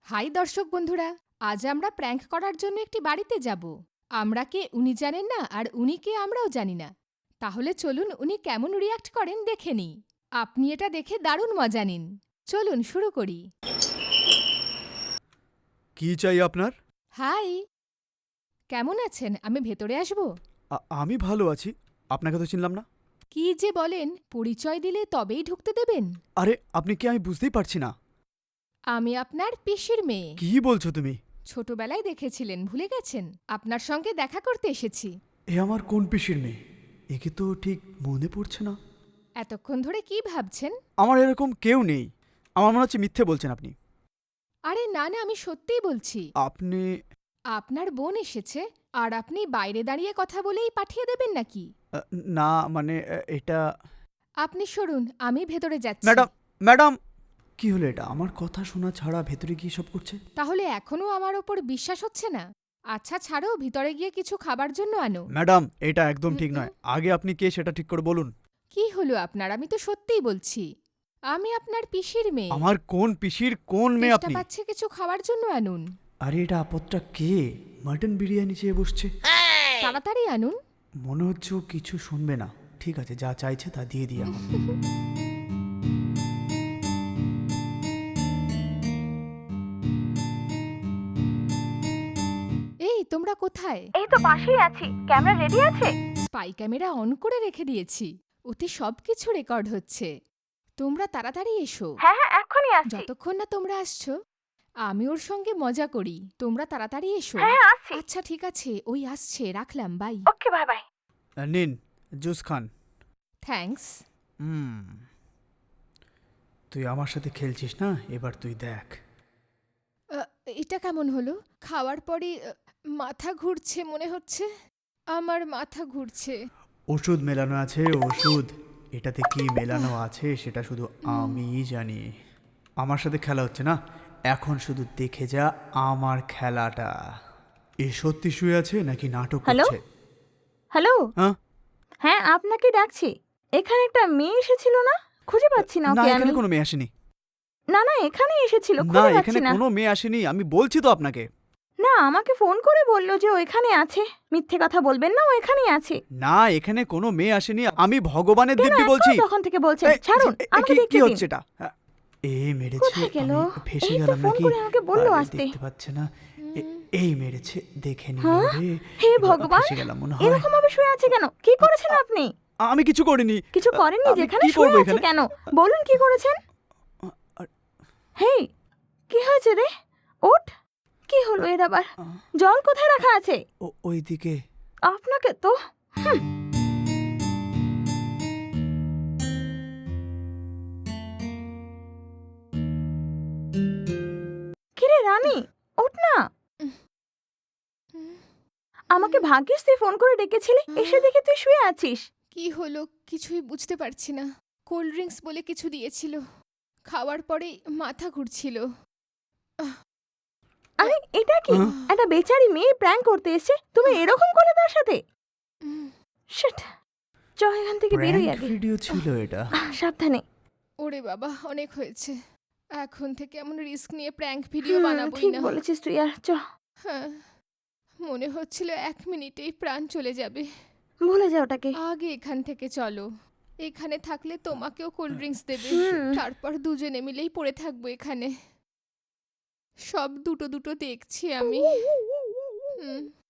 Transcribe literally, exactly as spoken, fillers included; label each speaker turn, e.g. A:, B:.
A: High দর্শক বন্ধুরা, আজ আমরা প্র্যাঙ্ক করার জন্য একটি বাড়িতে যাব। আমরা কে উনি জানেন না, আর উনি কে আমরাও জানি না। তাহলে চলুন উনি কেমন রিয়াক্ট করেন দেখে নিই। আপনি এটা দেখে দারুণ মজা নিন। চলুন শুরু করি।
B: কি চাই আপনার?
A: হাই, কেমন আছেন? আমি ভেতরে আসব?
B: আ- আমি ভালো আছি। আপনাকে তো চিনলাম না।
A: কি যে বলেন, পরিচয় দিলে তবেই ঢুকতে দেবেন?
B: আরে আপনি কি? আমি বুঝতেই পারছি না।
A: আমি আপনার পিসির মেয়ে।
B: কি বলছো তুমি?
A: ছোটবেলায় দেখেছিলেন, ভুলে গেছেন? আপনার সঙ্গে দেখা করতে এসেছি।
B: এ আমার কোন পিসির মেয়ে? একে তো ঠিক মনে পড়ছে না।
A: এতক্ষণ ধরে কি ভাবছেন?
B: আমার এরকম কেউ নেই। আমার মনে হচ্ছে মিথ্যে বলছেন আপনি।
A: আরে না না, আমি সত্যিই বলছি।
B: আপনি
A: আপনার বোন এসেছে, আর আপনি বাইরে দাঁড়িয়ে কথা বলেই পাঠিয়ে দেবেন নাকি?
B: আ, না মানে আ, এটা
A: আপনি সরুন, আমি ভেতরে যাচ্ছি।
B: ম্যাডাম ম্যাডাম কি হলো এটা? আমার কথা শোনা ছাড়া ভেতরে গিয়ে সব করছে।
A: তাহলে এখনো আমার ওপর বিশ্বাস হচ্ছে না? আচ্ছা ছাড়ো, ভিতরে গিয়ে কিছু খাবার জন্য আনো।
B: ম্যাডাম এটা একদম ঠিক নয়। আগে আপনি কে সেটা ঠিক করে বলুন।
A: কি হলো আপনার? আমি তো সত্যিই বলছি, আমি আপনার পিসির মেয়ে।
B: আমার কোন পিসির কোন মেয়ে
A: চেষ্টা
B: আপনি?
A: পাচ্ছে কিছু খাবার জন্য আনুন।
B: আরে এটা আপদটা কে? মাটন বিরিয়ানি চেয়ে বসছে।
A: তাড়াতাড়ি আনুন।
B: মনে হচ্ছে ও কিছু শুনবে না। ঠিক আছে, যা চাইছে তা দিয়ে দিই এখন।
A: এই তোমরা কোথায়?
C: এই তো পাশেই আছি। ক্যামেরা রেডি আছে?
A: স্পাই ক্যামেরা অন করে রেখে দিয়েছি, ওতে সবকিছু রেকর্ড হচ্ছে। তোমরা তাড়াতাড়ি এসো।
C: হ্যাঁ হ্যাঁ, এক্ষুনি আসছি।
A: যতক্ষণ না তোমরা আসছো, আমি ওর সঙ্গে মজা করি। তোমরা তাড়াতাড়ি এসো।
C: হ্যাঁ হ্যাঁ, আসছি।
A: আচ্ছা ঠিক আছে, ওই আসছে, রাখলাম, বাই।
C: Okay, bye bye.
B: আহ, নিন জুস খান।
A: থ্যাঙ্কস।
B: হুম তুই আমার সাথে খেলছিস না? এবার তুই দেখ।
A: এটা কেমন হলো? খাওয়ার পরে আহ, মাথা ঘুরছে মনে হচ্ছে। আমার মাথা ঘুরছে।
B: ওষুধ মেলানো আছে, ওষুধ। এটাতে কি মেলানো আছে সেটা শুধু আমিই জানি। আমার সাথে খেলা হচ্ছে না, এখন শুধু দেখে যা আমার খেলাটা। এ সত্যি শুয়ে আছে নাকি নাটক
C: হ্যালো?
B: করছে?
C: হ্যালো,
B: হ্যাঁ
C: হ্যাঁ আপনাকে ডাকছি। এখানে একটা মেয়ে এসেছিল না? খুঁজে পাচ্ছি না
B: না,
C: ওকে আমি।
B: এখানে কোনো মেয়ে আসেনি।
C: না না, এখানে এসেছিল,
B: না,
C: খুঁজে
B: এখানে
C: পাচ্ছি না।
B: কোনো মেয়ে আসেনি, আমি বলছি তো আপনাকে।
C: না, আমাকে ফোন করে বললো যে ও এখানে আছে। মিথ্যে কথা বলবেন না, ও এখানেই আছে।
B: না, এখানে কোনো মেয়ে আসেনি, আমি ভগবানের
C: কেন
B: দিব্যি
C: এত
B: বলছি।
C: তখন থেকে বলছেন?
B: এই,
C: ছাড়ুন,
B: এ- এ-
C: আমাকে
B: কি-
C: দেখতে
B: কি
C: দিন।
B: হচ্ছে এটা? হ্যাঁ, এ মেরেছে,
C: কোথায় গেল?
B: আমি ফেসে
C: এই তো
B: গেলাম
C: ফোন
B: নাকি?
C: করে আমাকে বললো
B: আরে,
C: আসতে।
B: দেখতে পাচ্ছে না? এ- এই মেরেছে, দেখে নিল
C: হ্যাঁ?
B: রে।
C: হে
B: এবার
C: ভগবান,
B: ফেসে গেলাম মনে হয়।
C: এরকম ভাবে শুয়ে আছে কেন? কি করেছেন আপনি?
B: আমি কিছু করিনি।
C: কিছু করেননি,
B: আমি
C: যেখানে
B: কি
C: শুয়ে
B: করবো
C: আছে
B: এখানে?
C: কেন? বলুন কি করেছেন?
B: আর-
C: হেই, কি হয়েছে রে? ওঠ। কি হলো এর আবার? জল কোথায় রাখা আছে?
B: ও ওইদিকে।
C: আপনাকে তো হুম। কিরে রানী, ওঠ না। আমাকে ভাগ্যিস তুই ফোন করে ডেকেছিলি, এসে দেখে তুই শুয়ে আছিস।
A: কি হলো কিছুই বুঝতে পারছি না। কোল্ড ড্রিঙ্কস বলে কিছু দিয়েছিল, খাওয়ার পরেই মাথা ঘুরছিল।
C: আরে এটা কি?
B: হ্যাঁ?
C: একটা বেচারি মেয়ে প্র্যাঙ্ক করতে এসেছে, তুমি এরকম করলে তার সাথে?
A: উম,
C: শিট, চ এখান থেকে বেরোই
B: প্র্যাঙ্ক
C: আগে।
B: ভিডিও ছিল এটা?
C: আহ, সাবধানে।
A: ওরে বাবা, অনেক হয়েছে। এখন থেকে এমন রিস্ক নিয়ে প্র্যাঙ্ক ভিডিও
C: হুম,
A: বানাবোই
C: ঠিক
A: না।
C: বলেছিস তুই, আর চ।
A: হ্যাঁ, মনে হচ্ছিল এক মিনিটেই প্রাণ চলে যাবে।
C: ভুলে যা ওটাকে।
A: আগে এখান থেকে চলো। এখানে থাকলে তোমাকেও কোল্ড ড্রিঙ্কস দেবে,
C: হুম।
A: তারপর দুজনে মিলেই পড়ে থাকবো এখানে। সব দুটো দুটো দেখছি আমি। হুম